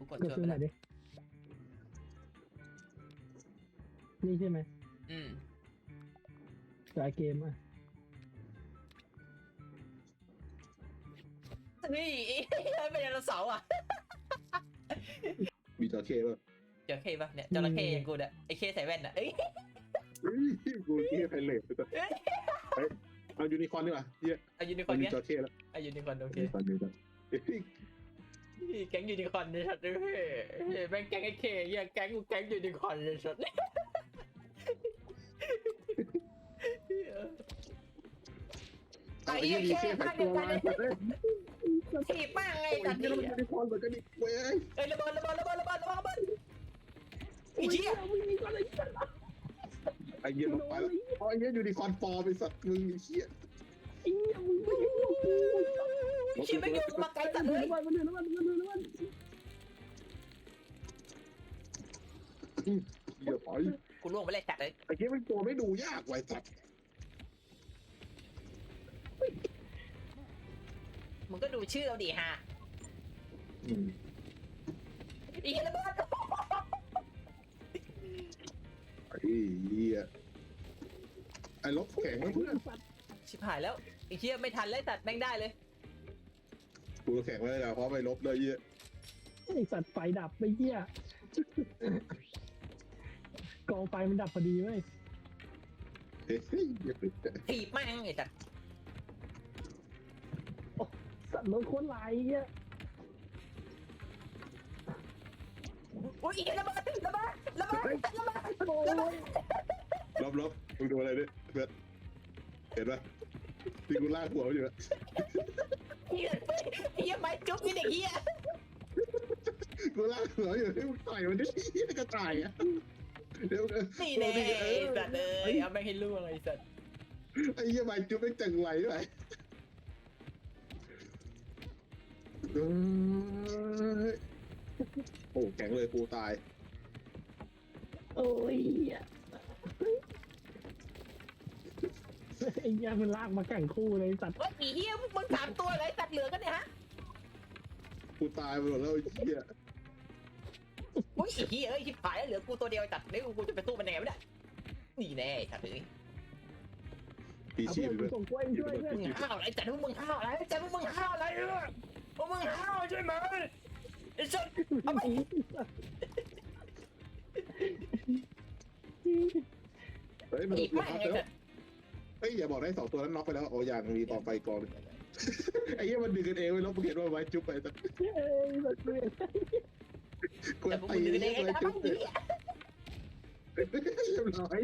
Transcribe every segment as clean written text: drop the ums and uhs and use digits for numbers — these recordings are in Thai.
กดกดช่วยซื้อไปหน่แล้อยว ดินี่ใช่ไหมอืมสายเกมอ่ะนี่เป็นไดโนเสาร์อ่ะมีจระเข้ป่ะจระเข้ปะเนี่ยจระเข้อย่างกูเนี่ยไอ้เคใส่แว่นอ่ะเอ้ยกูขี้ไพเรตไปก่อนเอายูนิคอร์นดีกว่าเฮียเอายูนิคอร์นมีเนี้ยจระเข้แล้วเอายูนิคอร์นโอเคยูนิคอร์นดีกว่าแก๊งยูนิคอร์นเนี่ยชัดเลยแม่งแก๊งไอ้เคเหี้ยแก๊งกูแก๊งยูนิคอร์นเลยชัดไอ้เหี้ยมีเสื้อใส่ตัวมาเฮ้ยถีบมากไงไอ้ตัดเหี้ยนี่มันยูนิคอร์นเหมือนกันดิเว้ยเอ้ยระเบิดไอ้เหี้ยไอ้เหี้ยลงไปแล้วไอ้เหี้ยยูนิคอร์นฟอร์มไอ้สัตว์มึงไอ้เหี้ยชิบไม่ยอมมาไกลตัดเลยเหี้ยปล่อยกูล่วงไปเลยจัดเลยไอ้เหี้ยมันตัวไม่ดูยากไว้สัตว์มึงก็ดูชื่อเอาดิฮะอีกระเบิดไอ้เหี้ยไอ้ลบแข็งเพื่อนชิบหายแล้วไอ้เหี้ยไม่ทันเลยตัดแม่งได้เลยกูแข็งเลยนะเพราะไปลบเลยเหี้ยไอสัตว์ไฟดับไปเหี้ยกองไฟมันดับพอดีเว้ยเฮ้ยถีบแม่งไอ้สัตว์สัตว์รถโคตรลายเหี้ยโอ้ยอีกระเบิดโอ้ยลบมึงดูอะไรดิเพื่อนเห็นปะที่กูลากหัวอยู่อะเหี้ยไม้จุ๊บนี่เด็กเหี้ยกูลากหัวอยู่ให้มึงต่อยมันดิที่กระต่ายอ่ะเดี๋ยวนี่แน่ไอ้สัตว์เลยเอาแม่งให้ล่วงไอ้สัตว์ไอ้เหี้ยใบจุ๊บไม่จังไหวด้วยโอ้แข็งเลยกูตายโอ้ยเหี้ยไอ้เหี้ยมันลากมาแข่งคู่เลยสัตว์ว่าอีเหี้ยมึง3ตัวเลยสัตว์เหลือกันเนี่ยฮะกูตายไปหมดแล้วไอ้เหี้ยโอ้ยอีเหี้ยเอ้ยชิบหายแล้วเหลือกูตัวเดียวไอ้สัตว์นี่กูจะไปสู้มันยังไงไม่ได้นี่แน่ไอ้สัตว์เลยปีเอาชีเพื่อนพกูเลยส่งกล้วยช่วยเพื่อนมึงห้าวอะไรจัดพวกมึงห้าวอะไรจัดพวกมึงห้าวอะไรพวกมึงห้าวใช่ไหมไอ้สัตว์เอาไปเฮ้ยมันอีกน็แม่อกงไอ้แล้สัวตว์เฮ้ยอย่าบอกได้2ตัวนั้นน็อกไปแล้วโอ้ยังมีต่อไปกองไอ้เหี้ยมันดึงกันเองไว้แล้วมึงเห็นว่าไว้จุ๊บไปแต่เอ้ยสัตว์เว้ยกูแต่พวกตีมึงดึงไว้เองไอ้จุ๊บสัตว์เรียบร้อย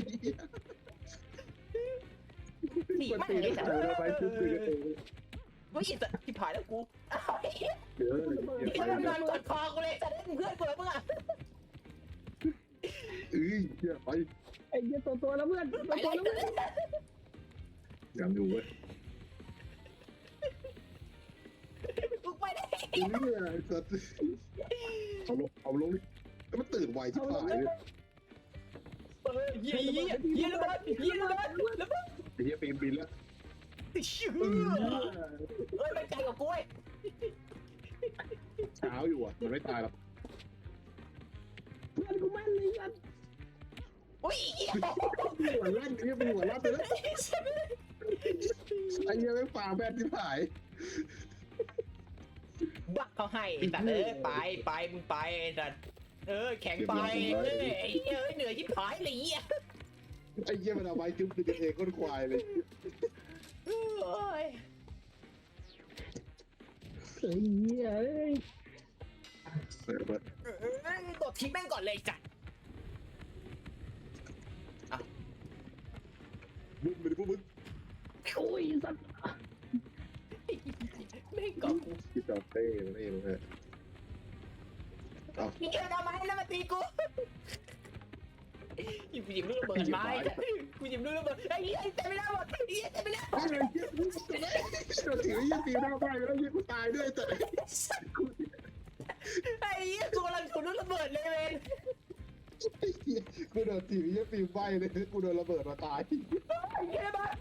หนีมันแม่งตีได้ไอ้สัตแต่ว์ไว้จุ๊บดึงกันเองเฮ้ยไอ้สัตว์ชิบหายแล้วกูเดี๋ยวไอ้สัตว์นอนกอดคอกูเลยสัตว์เพื่อนกูแล้วมึงอ่ะเอ้ยเหี้ยไปไอ้เหี้ยตัวแล้วเพื่อนไปตัวเลยแล้วเพื่อนยังอยู่เว้ยกูไปได้เหี้ยสัตว์เอาลงแล้วมันตื่นไวชิบหายเลยเยี่ยระเบิดระเบิดไอ้เหี้ยบินแล้วชื่อเฮ้ยมันไกลกว่ากูเว้ยเช้าอยู่อ่ะมันไม่ตายหรอกเพื่อนกูแม่นเลยสัตว์อุ้ยหัวลั่นไอ้เหี้ยเป็นหัวลั่นไปแล้วไอ้เหี้ยไม่ฝ่าแบนที่หายบักเขาให้แต่ไปมึงไปแต่แข็งไปเหนื่อยที่ผายเลยเหี้ยไอ้เหี้ยมันเอาไว้จุ๊บดึงกันเองก้นควายเลยโอ้ยไอ้เหี้ยเอ้ยกดทีแม่งก่อนเลยจ้ะมึงไม่ได้พวกมึงโอ้ยสัตว์แม่งกดกูพี่จอเต้มันเองเลยเอาพี่แกทำไมแล้วมาตีกูกูหยิบลูกระเบิดไม้กูหยิบลูกระเบิดไอ้เหี้ยเต็มไปแล้วหมดไอ้เหี้ยเต็มไปแล้วไอ้เหี้ยเราถือยี่ปีหน้าไปแล้วยี่กูตายด้วยแต่ไอ้เหี้ยกูกำลังถูกลูกระเบิดเลยเวนกูโดนถือยี่ปีใบเลยกูโดนระเบิดมาตายไอ้เหี้ยระเบิด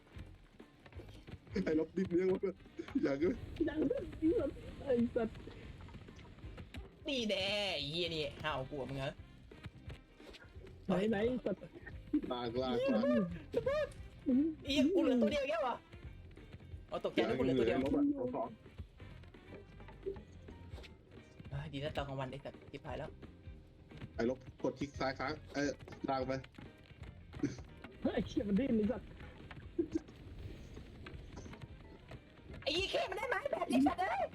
ไอ้ลบดิบเลี้ยงวะอย่างเงี้ยยังไอ้สัตว์นี่แน่ไอ้เหี้ยนี่ห้าวกลัวมึงเหรอไหนสัตว์ลากไอ้เหี้ยกูเหลือตัวเดียวแค่วะเอาตกใจนะกูเหลือตัวเดียวลบอ่ะสองดีนะตอนกลางวันไอ้สัตว์ทิพายแล้วไอ้ลบกดคลิกซ้ายค้างลากไปไอ้เชี่ยมันดิ้นเลยสัตว์ไอ้ยี่เข้มันได้ไหมแบบไอ้สัตว์เอ้ย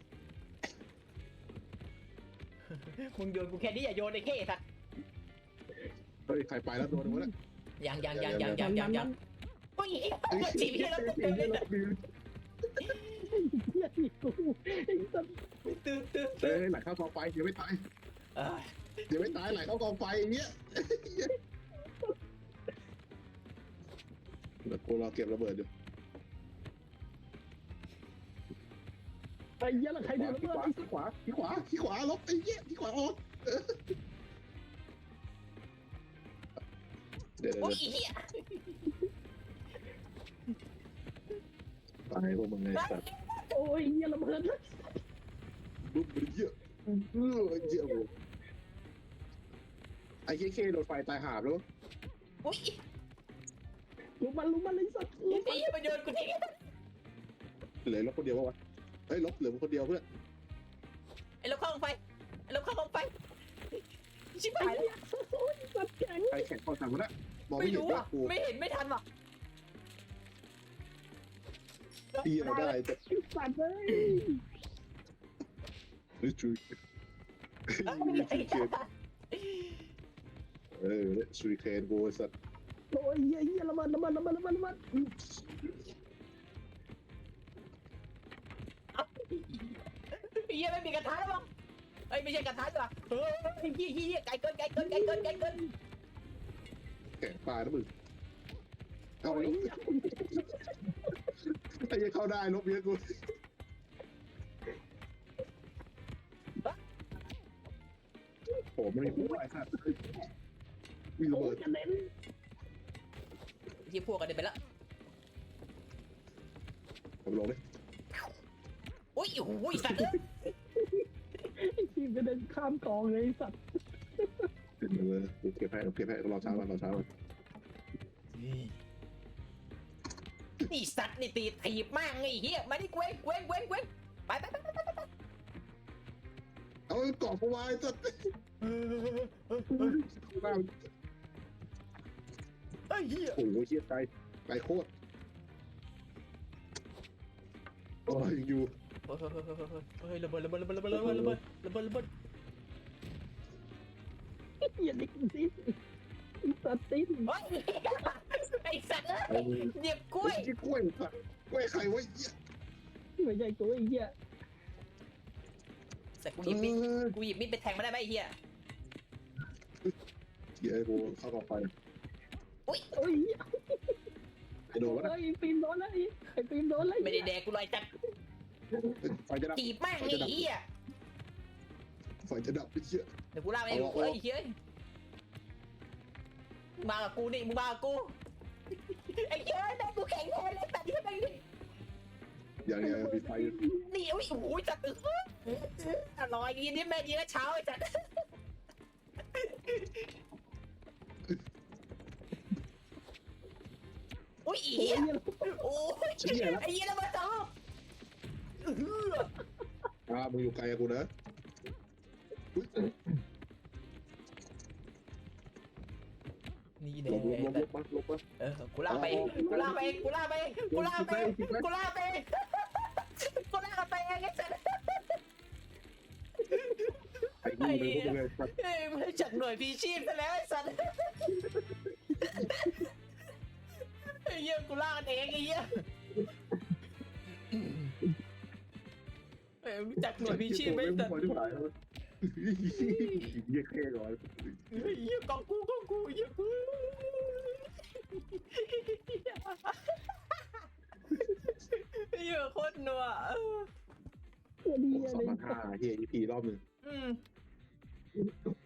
มึงโยนกูแค่นี้อย่าโยนไอ้เข้สัตว์เฮ้ยใครไปแล้วโดนหมดแล้วยังโอ้ยจีบให้เราเต็มเลยนะเหี้ยที่กูไอ้สัตว์ตื่นเฮ้ยไหลเข้ากองไฟยังไม่ตายยังไม่ตายไหลเข้ากองไฟอย่างเงี้ยเดี๋ยวกูรอเก็บระเบิดอยู่ไอ้เหี้ยแล้วใครเดินระเบิดขวาลบไอ้เงี้ยที่ขวาออกเดี๋ยวโอ้ยเหี้ยตายพวกมึงไงสัตว์โอ้ยเหี้ยระเบิดปุ๊บเยอะเยอะเลยไอ้เคโดนไฟตายหาบแล้วโอ้ยลุกมันเลยสัตว์ไอ้ยี่มาโยนกูทิ้งเหลือลบคนเดียววะเฮ้ยลบเหลือคนเดียวเพื่อนไอ้เราเข้าลงไปชิบไอ้หายแล้วเหี้ยโอ้ยสัตว์แข็งใครแข่งข้อสั่งวะนะมองไม่ไม่เห็นรู้ว่าอ่ะกูไม่เห็นไม่ทันว่ะตีเราได้แต่ไอ้สัตว์เลยช่วยสุริเคนกูสัตว์โอ้ยเหี้ยระเบิดไอ้ยี่ไม่มีกระทะแล้วมั้งไอ้ไม่ใช่กระทะจ้ะเฮ้ยเหี้ยไก่เกินแข่งปลานะมึงเอาลบไอ้ยังเข้าได้ลบเยอะกูโอ้ไม่มีผู้ไอ้สัตว์มีระโอ้เบิยดกระเด็นที่พวกกันเดินไปแล้วผมลงเลยโอ้ยโอ้ยสัตว์ไอ้ทีมกระเด็นข้ามกองเลยไอ้สัตว์เก็บให้รอเช้าวันนี่สัตว์นี่ตีถีบมากไงเฮียมาดิเว้งไปเอาเกาะกูไว้สัตว์ไอ้เฮียโอ้โหเชี่ยไกลโคตรโอ้ยอยู่เฮ้ยระเบิดเหี้ยดิ้นไอ้สัตว์ดิ้นไอ้สัตว์เหยียบกล้วยกล้วยสัตว์กล้วยใครวะเหี้ยไม่ใช่ตัวไอ้เหี้ยสัตว์กูหยิบมีดไปแทงมาได้ไหมไอ้เฮียเหี้ยกูเข้ากองไฟโอ้ยไอ้โดนวะนะไอ้ฟิล์มโดนแล้วไอ้ฟิล์มโดนแล้วไม่ได้แดกกูลอยจัดไฟจะดับถีบมากไอ้เฮียไฟจะดับไอ้เหี้ยเดี๋ยวกูลากไปไอ้เฮียมากับกูนี่มึงมากับกูไอ้เฮียแม่กูแข็งแทนเลยแต่ที่ไหนนี่อย่างมีไฟนี่โอ้ยจัดอร่อยกินนี่แม่ดีแล้วเช้าไอ้จัดโอ้ยอีโอ้ยไอ้เหี้ยแล้วมาต่อมึงอยู่ไกลกูนะนี่แน่ลบมากูลากไปเองไอ้สัสไอ้กูเลยพวกมึงเลยสัตว์ไม่จัดหน่วยพีชีพซะแล้วไอ้สัสไอ้เหี้ยกูลากเองไอ้เหี้ยรู้จักหน่วยพีชีพไหมสัสเยี่ยแค่ก่อนเหี้ยกองกูเหี้ยกูเหี้ยโคตรนัวตัวดีอะไร 2,500เฮีย EP รอบหนึ่ง